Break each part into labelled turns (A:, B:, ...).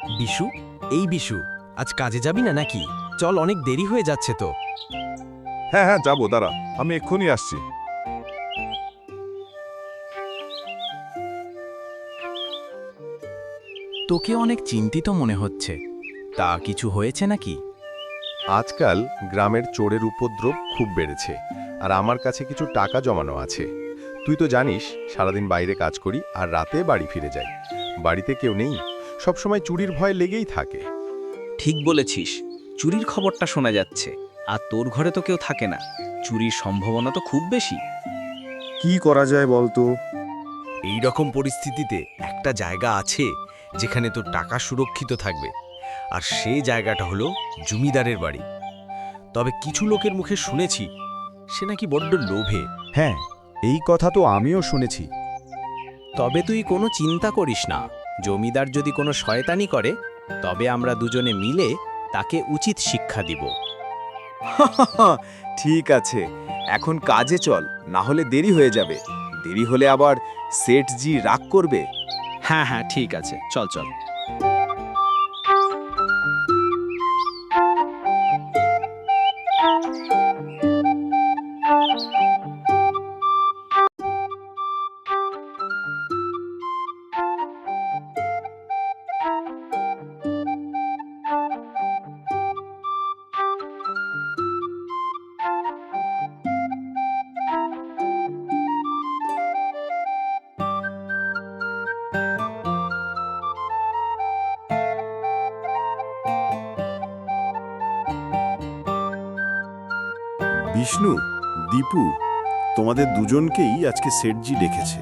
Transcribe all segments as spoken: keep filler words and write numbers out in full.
A: বিশু, এই বিশু, আজ কাজে যাবি না নাকি? চল, অনেক দেরি হয়ে যাচ্ছে তো।
B: হ্যাঁ হ্যাঁ যাবো, দাঁড়া, আমি এক্ষুনি আসছি।
A: তোকে অনেক চিন্তিত মনে হচ্ছে। তা কিছু হয়েছে নাকি?
C: আজকাল গ্রামের চোরের উপদ্রব খুব বেড়েছে, আর আমার কাছে কিছু টাকা জমানো আছে। তুই তো জানিস, সারাদিন বাইরে কাজ করি আর রাতে বাড়ি ফিরে যাই। বাড়িতে কেউ নেই, সবসময় চুরির ভয় লেগেই থাকে।
D: ঠিক বলেছিস, চুরির খবরটা শোনা যাচ্ছে। আর তোর ঘরে তো কেউ থাকে না, চুরির সম্ভাবনা তো খুব বেশি।
E: কি করা যায় বলতো?
A: এই রকম পরিস্থিতিতে একটা জায়গা আছে যেখানে তোর টাকা সুরক্ষিত থাকবে, আর সেই জায়গাটা হলো জমিদারের বাড়ি। তবে কিছু লোকের মুখে শুনেছি সে নাকি বড্ড লোভে।
E: হ্যাঁ, এই কথা তো আমিও শুনেছি।
F: তবে তুই কোনো চিন্তা করিস না। জমিদার যদি কোনো শয়তানি করে, তবে আমরা দুজনে মিলে তাকে উচিত শিক্ষা দিব।
E: ঠিক আছে, এখন কাজে চল, না হলে দেরি হয়ে যাবে। দেরি হলে আবার সেঠজি রাগ করবে।
F: হ্যাঁ হ্যাঁ, ঠিক আছে, চল চল।
G: বিষ্ণু, দীপু, তোমাদের দুজনকেই আজকে সেঠজি ডেকেছে।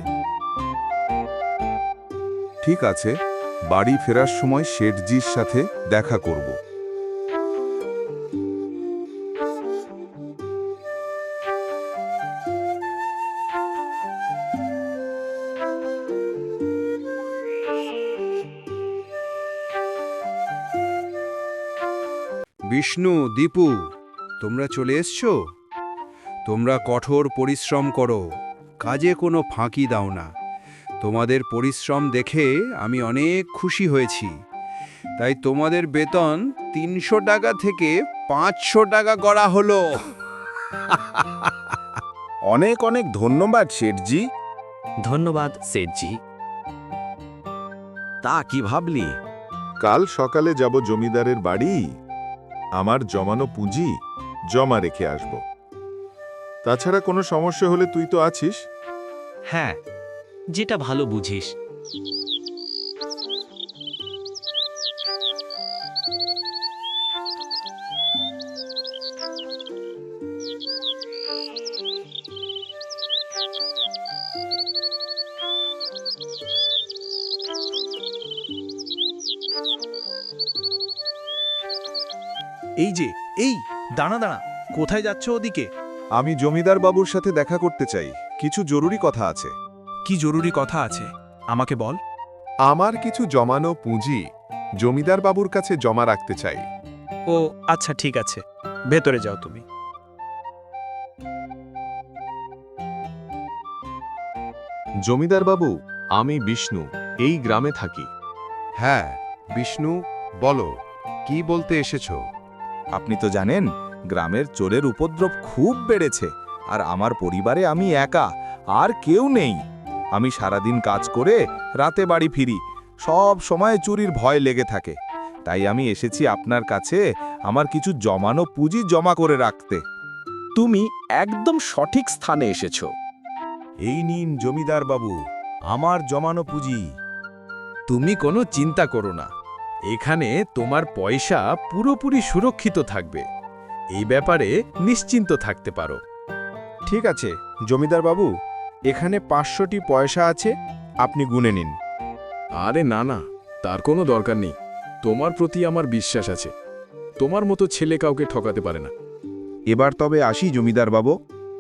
B: ঠিক আছে, বাড়ি ফেরার সময় শেঠজির সাথে দেখা করব।
H: বিষ্ণু, দীপু, তোমরা চলে এসছো? তোমরা কঠোর পরিশ্রম করো, কাজে কোনো ফাঁকি দাও না। তোমাদের পরিশ্রম দেখে আমি অনেক খুশি হয়েছি। তাই তোমাদের বেতন তিনশো টাকা থেকে পাঁচশো টাকা করা হলো।
G: অনেক অনেক ধন্যবাদ শেঠজি।
A: ধন্যবাদ সেঠজি। তা কি ভাবলি?
B: কাল সকালে যাব জমিদারের বাড়ি, আমার জমানো পুঁজি জমা রেখে আসব। তাছাড়া কোনো সমস্যা হলে তুই তো আছিস।
D: হ্যাঁ, যেটা ভালো বুঝিস।
I: এই যে, এই দাঁড়া দাঁড়া, কোথায় যাচ্ছ ওদিকে?
B: আমি জমিদার বাবুর সাথে দেখা করতে চাই, কিছু জরুরি কথা আছে।
I: কি জরুরি কথা আছে আমাকে বল।
B: আমার কিছু জমানো পুঁজি জমিদার বাবুর কাছে জমা রাখতে চাই।
I: ও আচ্ছা, ঠিক আছে, ভেতরে যাও তুমি।
C: জমিদার বাবু, আমি বিষ্ণু, এই গ্রামে থাকি।
E: হ্যাঁ, বিষ্ণু, বলো, কি বলতে এসেছো? আপনি তো জানেন, গ্রামের চোরের উপদ্রব খুব বেড়েছে, আর আমার পরিবারে আমি একা, আর কেউ নেই। আমি সারাদিন কাজ করে রাতে বাড়ি ফিরি, সব সময় চুরির ভয় লেগে থাকে। তাই আমি এসেছি আপনার কাছে আমার কিছু জমানো পুঁজি জমা করে রাখতে।
F: তুমি একদম সঠিক স্থানে এসেছো।
E: এই নিন জমিদার বাবু, আমার জমানো পুঁজি।
A: তুমি কোনো চিন্তা করো না, এখানে তোমার পয়সা পুরোপুরি সুরক্ষিত থাকবে। এই ব্যাপারে নিশ্চিন্ত থাকতে পারো।
E: ঠিক আছে জমিদার বাবু, এখানে পাঁচশোটি পয়সা আছে, আপনি গুনে নিন।
J: আরে না না, তার কোনো দরকার নেই। তোমার প্রতি আমার বিশ্বাস আছে। তোমার মতো ছেলে কাউকে ঠকাতে পারে না।
E: এবার তবে আসি জমিদার বাবু।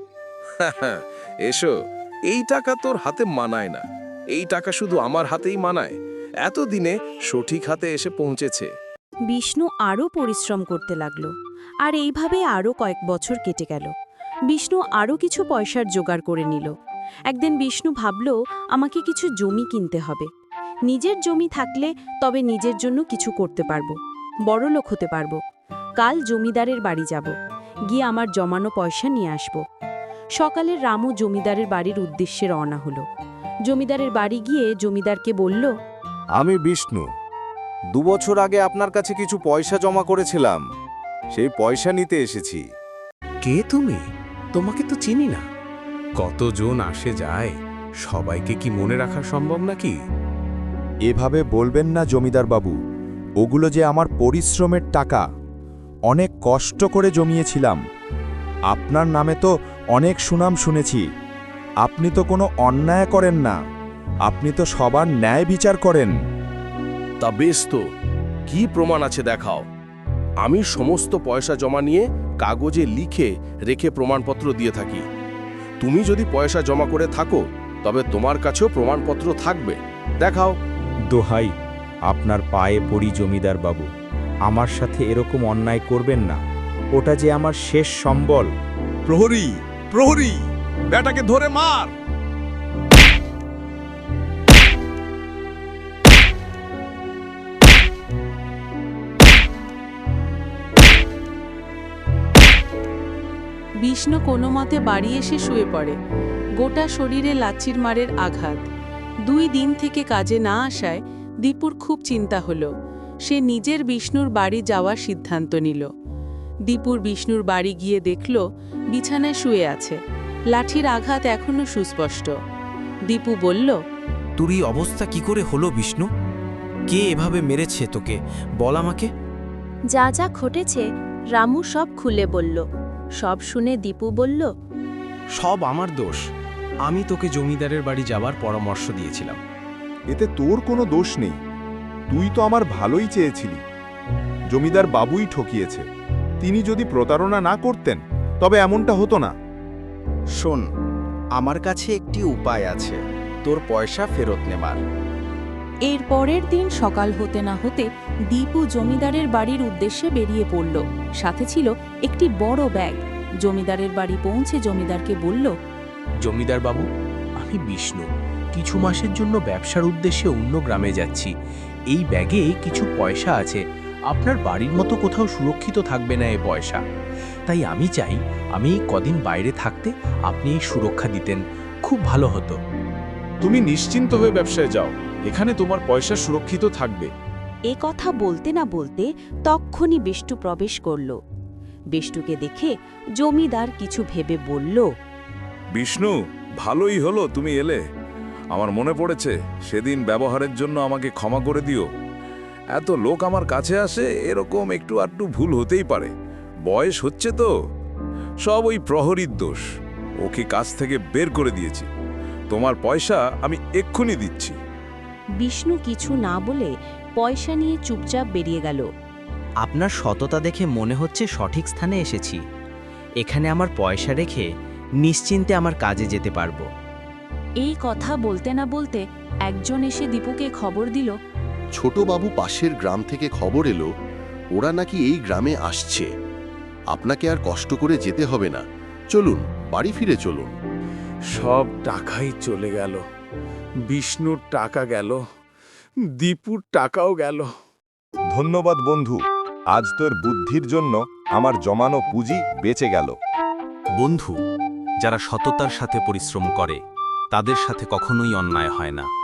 K: এসো, এই টাকা তোর হাতে মানায় না, এই টাকা শুধু আমার হাতেই মানায়। এতদিনে সঠিক হাতে এসে পৌঁছেছে।
L: বিষ্ণু আরও পরিশ্রম করতে লাগল, আর এইভাবে আরও কয়েক বছর কেটে গেল। বিষ্ণু আরও কিছু পয়সার জোগাড় করে নিল। একদিন বিষ্ণু ভাবল, আমাকে কিছু জমি কিনতে হবে। নিজের জমি থাকলে তবে নিজের জন্য কিছু করতে পারবো, বড়লোক হতে পারবো। কাল জমিদারের বাড়ি যাব, গিয়ে আমার জমানো পয়সা নিয়ে আসব। সকালে রামু জমিদারের বাড়ির উদ্দেশ্যে রওনা হলো। জমিদারের বাড়ি গিয়ে জমিদারকে বলল,
E: আমি বিষ্ণু। দুবছর আগে আপনার কাছে কিছু পয়সা জমা করেছিলাম, সেই পয়সা নিতে এসেছি।
F: কে তুমি? তোমাকে তো চিনি না। কতজন আসে যায়, সবাইকে কি মনে রাখা সম্ভব নাকি?
E: এভাবে বলবেন না জমিদার বাবু, ওগুলো যে আমার পরিশ্রমের টাকা, অনেক কষ্ট করে জমিয়েছিলাম। আপনার নামে তো অনেক সুনাম শুনেছি। আপনি তো কোনো অন্যায় করেন না, আপনি তো সবার ন্যায় বিচার করেন।
K: তা বেশ, তো কি প্রমাণ আছে দেখাও। আমি সমস্ত পয়সা জমা নিয়ে কাগজে লিখে রেখে প্রমাণপত্র দিয়ে থাকি। তুমি যদি পয়সা জমা করে থাকো তবে তোমার কাছেও প্রমাণপত্র থাকবে, দেখাও।
E: দোহাই, আপনার পায়ে পড়ি জমিদার বাবু, আমার সাথে এরকম অন্যায় করবেন না। ওটা যে আমার শেষ সম্বল।
G: প্রহরী, প্রহরী, বেটাকে ধরে মার।
M: বিষ্ণু কোনো মতে বাড়ি এসে শুয়ে পড়ে। গোটা শরীরে লাচ্ছির মারের আঘাত। দুই দিন থেকে কাজে না আসায় দীপুর খুব চিন্তা হলো। সে নিজের বিষ্ণুর বাড়ি যাওয়ার সিদ্ধান্ত নিল। দীপুর বিষ্ণুর বাড়ি গিয়ে দেখল বিছানায় শুয়ে আছে, লাঠির আঘাত এখনো সুস্পষ্ট। দীপু বলল,
F: তোর এই অবস্থা কি করে হলো বিষ্ণু? কে এভাবে মেরেছে তোকে, বল আমাকে।
L: যা যা ঘটেছে রামু সব খুলে বলল। সব শুনে দীপু বলল,
F: সব আমার দোষ। আমি তোকে জমিদারের বাড়ি যাবার পরামর্শ দিয়েছিলাম।
B: এতে তোর কোনো দোষ নেই, তুই তো আমার ভালোই চেয়েছিলি। জমিদার বাবুই ঠকিয়েছে। তিনি যদি প্রতারণা না করতেন তবে এমনটা হতো না।
E: শোন, আমার কাছে একটি উপায় আছে তোর পয়সা ফেরত নেবার।
M: এর পরের দিন সকাল হতে না হতে দীপু জমিদারের বাড়ির উদ্দেশ্যে বেরিয়ে পড়ল। সাথে ছিল একটি বড় ব্যাগ। জমিদারের বাড়ি পৌঁছে জমিদারকে বলল,
F: জমিদার বাবু, আমি বিষ্ণু। কিছু মাসের জন্য ব্যবসার উদ্দেশ্যে অন্য গ্রামে যাচ্ছি। এই ব্যাগে কিছু পয়সা আছে। আপনার বাড়ির মতো কোথাও সুরক্ষিত থাকবে না এই পয়সা। তাই আমি চাই আমি এই কদিন বাইরে থাকতে আপনি এই সুরক্ষা দিতেন, খুব ভালো হতো।
J: তুমি নিশ্চিন্ত হয়ে ব্যবসায় যাও, এখানে তোমার পয়সা সুরক্ষিত থাকবে।
L: এ কথা বলতে না বলতে তক্ষুনি বিষ্টু প্রবেশ করল। বিষ্টুকে দেখে জমিদার কিছু ভেবে বলল,
G: বিষ্ণু, ভালোই হলো তুমি এলে। আমার মনে পড়েছে, সেদিন ব্যবহারের জন্য আমাকে ক্ষমা করে দিও। এত লোক আমার কাছে আসে, এরকম একটু আধটু ভুল হতেই পারে। বয়স হচ্ছে তো, সব ওই প্রহরীর দোষ। ওকে কাজ থেকে বের করে দিয়েছি। তোমার পয়সা আমি এক্ষুনি দিচ্ছি।
L: বিষ্ণু কিছু না বলে পয়সা নিয়ে চুপচাপ বেরিয়ে গেল।
D: আপনার সততা দেখে মনে হচ্ছে সঠিক স্থানে এসেছি। এখানে আমার পয়সা রেখে নিশ্চিন্তে আমার কাজে যেতে পারবো।
M: এই কথা বলতে না বলতে একজন এসে দীপুকে খবর দিল,
N: ছোটবাবু পাশের গ্রাম থেকে খবর এলো, ওরা নাকি এই গ্রামে আসছে। আপনাকে আর কষ্ট করে যেতে হবে না, চলুন বাড়ি ফিরে চলুন।
J: সব টাকাই চলে গেল। বিষ্ণুর টাকা গেল, দীপুর টাকাও গেল।
B: ধন্যবাদ বন্ধু, আজ তোর বুদ্ধির জন্য আমার জমানো পুঁজি বেঁচে গেল।
F: বন্ধু, যারা সততার সাথে পরিশ্রম করে তাদের সাথে কখনোই অন্যায় হয় না।